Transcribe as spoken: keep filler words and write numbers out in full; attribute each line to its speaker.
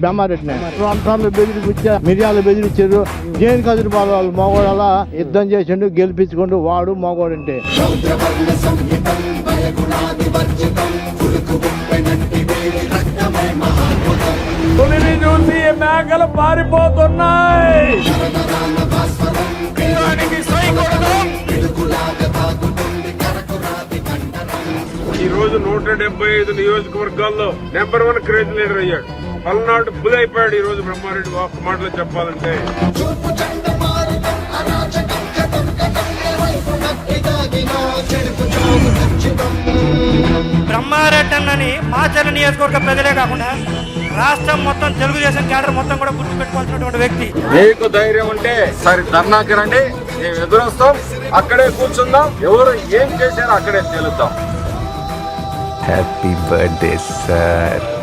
Speaker 1: బ్రహ్మారెడ్డిని ప్రాంతాల్లో బెదిరిపించా మిర్యాలు బెదిరించారు. జైన్ కదిరి బాల వాళ్ళు మగవాడు అలా యుద్ధం చేసిండు, గెలిపించుకుంటూ వాడు మగవాడంటే.
Speaker 2: పులిని చూసి మేకలు పారిపోతున్నాయి. ఈ రోజు నూట డెబ్బై ఐదు నియోజకవర్గాల్లో నెంబర్ వన్ క్రేజ్ లీడర్ అయ్యాడు. పల్నాడు బుల్ అయిపోయాడు. ఈ రోజు బ్రహ్మారెడ్డి ఒక్క మాటలో చెప్పాలంటే
Speaker 3: బ్రహ్మారెడ్డి అన్నని మాచర్ల నియోజకవర్గ ప్రజలే కాకుండా రాష్ట్రం మొత్తం తెలుగుదేశం క్యాడర్ మొత్తం కూడా గుర్తు పెట్టుకోవాల్సినటువంటి వ్యక్తి.
Speaker 2: మీకు ధైర్యం ఉంటే సరే ధర్నాకి రండి, మేము ఎదురొస్తాం, అక్కడే కూర్చుందాం, ఎవరు ఏం చేశారో అక్కడే తేలుద్దాం.
Speaker 4: Happy birthday sir.